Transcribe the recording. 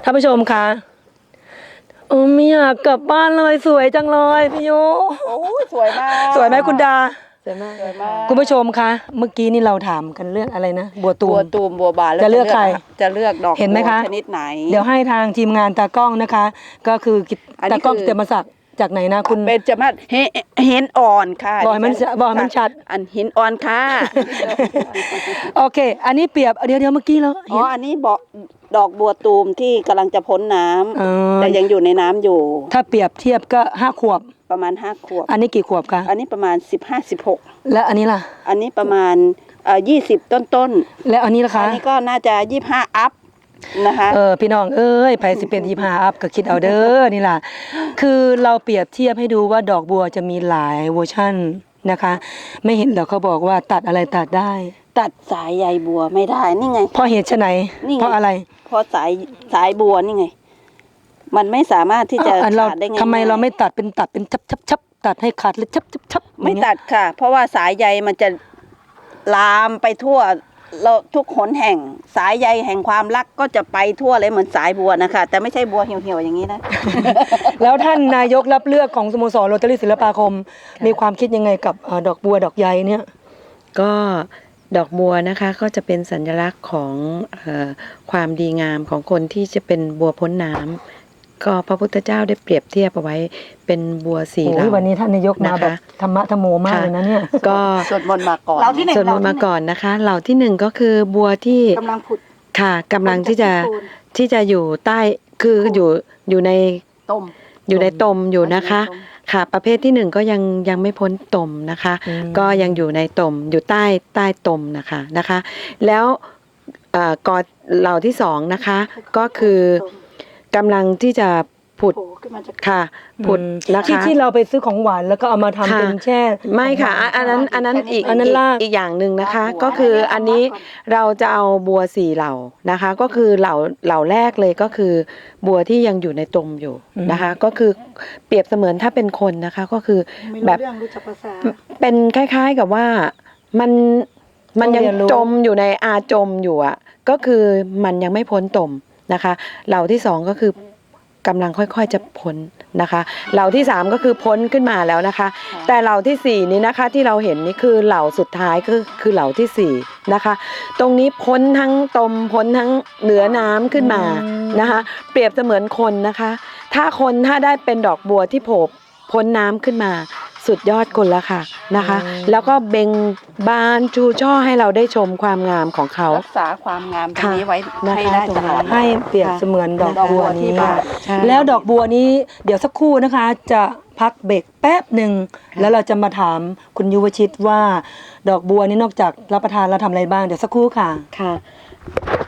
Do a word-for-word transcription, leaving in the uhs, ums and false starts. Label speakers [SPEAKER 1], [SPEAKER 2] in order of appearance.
[SPEAKER 1] ท่านผู้ชมคะโอ้ไม่อยากกลับบ้านเลยสวยจังเลยพี่โย
[SPEAKER 2] โอ้สวยมาก
[SPEAKER 1] สวยไหมคุณดา
[SPEAKER 2] สวยมากสวยมาก
[SPEAKER 1] คุณผู้ชมคะเมื่อกี้นี่เราถามกันเรื่องอะไรนะบัวตูม
[SPEAKER 2] บัวตูมบัวบานแล้ว
[SPEAKER 1] จะเลือกใคร
[SPEAKER 2] จะเลือกดอก
[SPEAKER 1] เห็นไหมคะ
[SPEAKER 2] ชนิดไหน
[SPEAKER 1] เดี๋ยวให้ทางทีมงานตากล้องนะคะ ก็คือตากล้องเตรียมมาสักจากไหนนะคุณ
[SPEAKER 2] เป็นจะมาเห็นอ่อนค่ะ
[SPEAKER 1] บอกให้มันบอกให้มันชัด
[SPEAKER 2] อันหินอ่อนค่ะ
[SPEAKER 1] โอเคอันนี้เปรียบเดี๋ยวเดี๋ยวเมื่อกี้เรา
[SPEAKER 2] อ๋ออันนี้บอกดอกบัวตูมที่กำลังจะพ้นน้ำแต่ยังอยู่ในน้ำอยู่
[SPEAKER 1] ถ้าเปรียบเทียบก็ห้าขวบ
[SPEAKER 2] ประมาณห้าขวบ
[SPEAKER 1] อันนี้กี่ขวบคะ
[SPEAKER 2] อันนี้ประมาณสิบห้าสิบหก
[SPEAKER 1] และอันนี้ล่ะ
[SPEAKER 2] อันนี้ประมาณเอ่อยี่สิบต้นต้น
[SPEAKER 1] และอันนี้ล่ะคะ
[SPEAKER 2] อันนี้ก็น่าจะยี่สิบห้าอัพนะคะ
[SPEAKER 1] เออพี่น้องเอ้ยไผสิเป็นยี่สิบห้าอัพก็คิดเอาเด้อนี่ล่ะคือเราเปรียบเทียบให้ดูว่าดอกบัวจะมีหลายเวอร์ชั่นนะคะไม่เห็นเหรอเขาบอกว่าตัดอะไรตัดได้
[SPEAKER 2] ตัดสายใยบัวไม่ได้นี่ไง
[SPEAKER 1] เพราะเหตุไฉนเพราะอะไร
[SPEAKER 2] เพราะสายสายบัวนี่ไงมันไม่สามารถที่จะขาดได้ไง
[SPEAKER 1] ทำไมเราไม่ตัดเป็นตัดเป็นชับชับชับตัดให้ขาดเลยชับชับชับ
[SPEAKER 2] ไม่ตัดค่ะเพราะว่าสายใยมันจะลามไปทั่วเราทุกหนแห่งสายใยแห่งความรักก็จะไปทั่วเลยเหมือนสายบัวนะคะแต่ไม่ใช่บัวเหี่ยวๆอย่างนี้นะ
[SPEAKER 1] แล้วท่านนายกรับเลือกของสโมสรโรตารี่ศิลปาคมมีความคิดยังไงกับดอกบัวดอกใยเนี่ย
[SPEAKER 3] ก็ดอกบัวนะคะก็จะเป็นสัญลักษณ์ของเอ่อความดีงามของคนที่จะเป็นบัวพ้นน้ำก็พระพุทธเจ้าได้เปรียบเทียบเอาไว้เป็นบัวสีเหล่า
[SPEAKER 1] วันนี้ท่านนายกมาแบบธรรมะธรรมโมมากเลยนะเนี่ย
[SPEAKER 3] ก็
[SPEAKER 2] สวดมนต์มาก่อนเราที่หนึ่ง
[SPEAKER 3] สวดมนต์มาก่อนนะคะเหล่าที่หนึ่งก็คือบัวที่
[SPEAKER 2] กำลังผุด
[SPEAKER 3] ค่ะกำลังที่จะที่จะอยู่ใต้คืออยู่อยู่ใน
[SPEAKER 2] ตม
[SPEAKER 3] อยู่ในตมอยู่นะคะค่ะประเภทที่หนึ่งก็ยังยังไม่พ้นตมนะคะก็ยังอยู่ในตมอยู่ใต้ใต้ตมนะคะนะคะแล้วกอเหล่าที่สองนะคะก็คือกำลังที่จะผุดค่ะผุดนะคะ
[SPEAKER 1] ที่ที่เราไปซื้อของหวานแล้วก็เอามาทำเป็นแช่
[SPEAKER 3] ไม่ค่ะอันนั้นอันนั้นอีกอันนั้นอีกอย่างหนึ่งนะคะก็คืออันนี้เราจะเอาบัวสี่เหล่านะคะก็คือเหล่าเหล่าแรกเลยก็คือบัวที่ยังอยู่ในตมอยู่นะคะก็คือเปรียบเสมือนถ้าเป็นคนนะคะก็คือแบบเป็นคล้ายๆกับว่ามันมันยังจมอยู่ในอาจมอยู่อ่ะก็คือมันยังไม่พ้นตมนะคะเหล่าที่สองก็คือกำลังค่อยๆจะพ้นนะคะเหล่าที่สามก็คือพ้นขึ้นมาแล้วนะคะแต่เหล่าที่สี่นี้นะคะที่เราเห็นนี่คือเหล่าสุดท้ายคือคือเหล่าที่สี่นะคะตรงนี้พ้นทั้งตมพ้นทั้งเหนือน้ำขึ้นมานะคะเปรียบเสมือนคนนะคะถ้าคนถ้าได้เป็นดอกบัวที่โผล่พ้นน้ำขึ้นมาสุดยอดคนละค่ะนะคะแล้วก็เบ่งบานชูช่อให้เราได้ชมความงามของเขา
[SPEAKER 2] รักษาความงามตรงนี้ไว้ให้ได้ตลอด
[SPEAKER 1] ให้เปรียบเสมือนดอกบัวนี้แล้วดอกบัวนี้เดี๋ยวสักครู่นะคะจะพักเบรกแป๊บหนึ่งแล้วเราจะมาถามคุณยุวชิตว่าดอกบัวนี้นอกจากรับประทานแล้วทำอะไรบ้างเดี๋ยวสักครู่ค่ะ
[SPEAKER 3] ค่ะ